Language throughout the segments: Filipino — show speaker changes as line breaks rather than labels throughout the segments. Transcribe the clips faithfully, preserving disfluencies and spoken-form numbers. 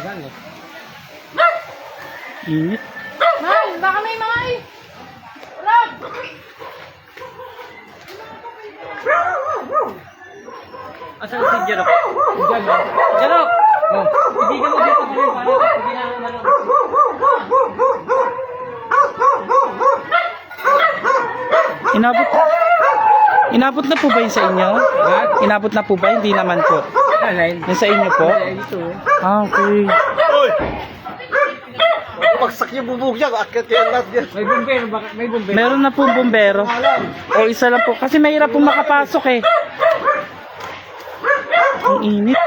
Init.
Mal, baka may mga ay. Rob!
Asan si Jerok? Jerok! Oh, ibigan mo dito din para hindi na ano.
Inabot Inabot na po ba yun sa inyo? Inabot na po ba? Hindi naman po.
Alay.
Yung sa inyo po?
Dito eh.
Ah, okay.
Oy! Pagsak yung bubog niya, akit yan lahat yan.
May bumbero, baka may bumbero.
Meron na po bumbero. O isa lang po. Kasi mahirap po makapasok eh. Ang init.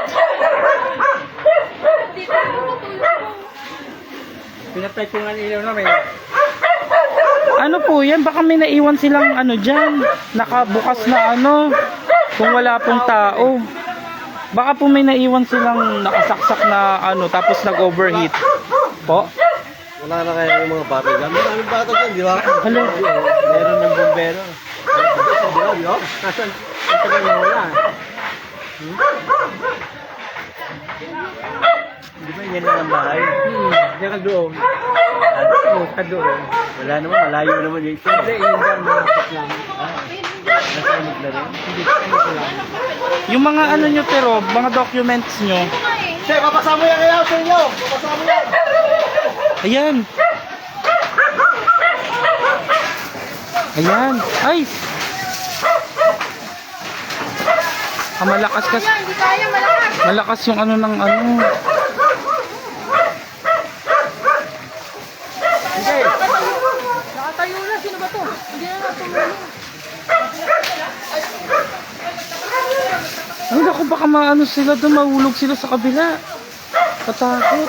Pinatay ko nga ilaw na may.
Ano po yan? Baka may naiwan silang ano dyan. Nakabukas na ano. Kung wala pong tao. Baka po may naiwan silang nakasaksak na ano. Tapos nag-overheat. Po?
Wala na kaya yung mga bata dyan. Maraming bata dyan, di ba?
Hello.
Meron ng bombero. Di ba, di ba?
Nasaan? Ang tagal na wala.
Hmm? Di ba yan lang ang bahay?
Hmm, diyan ka doon. Oo, ka doon.
Wala naman, malayo naman yung ito.
Hindi, yun dyan, malapit lang.
Nasa amot na rin.
Hindi, ano ko lang.
Yung mga ano nyo pero, mga documents nyo.
Che, papasama yan kaya sa inyo! Papasama yan!
Ayan. Ayan. Ay! Ah, malakas kasi.
Kaya, hindi kaya malakas.
Malakas yung ano ng ano.
Sige!
Nakatayo na. Sino ba to? Hindi na natulog.
Ay, naku, baka maano sila doon, mahulog sila sa kabila. Katakot.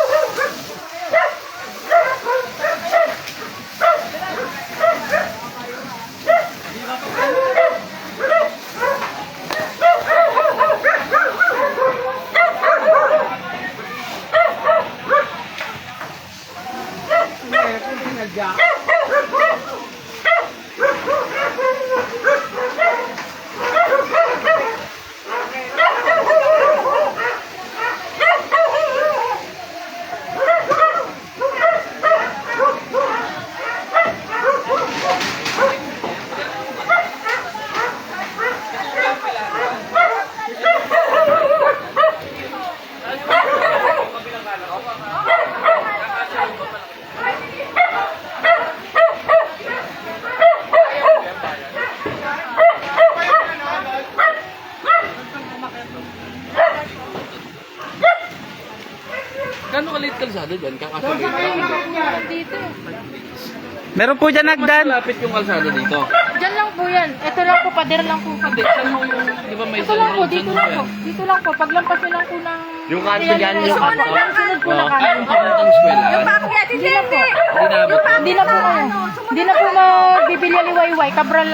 Gano'ng kalit kalsada dyan? Kakasabi ka lang.
Dito.
Meron po dyan nagdan.
Malapit yung kalsada dito.
Diyan lang po yan. Ito lang po, pader lang po.
Hindi, saan mo yung, di ba may
Ito lang po, dito lang po. Dito lang po. Paglampas nyo lang po ng...
Yung kanto dyan, yung kanto.
Sunod po na
Oh,
kanan.
yung papuntang eskwela.
Hindi na po.
Hindi na abot.
Hindi na po kayo. Hindi na po magbibili liwayway. Kabral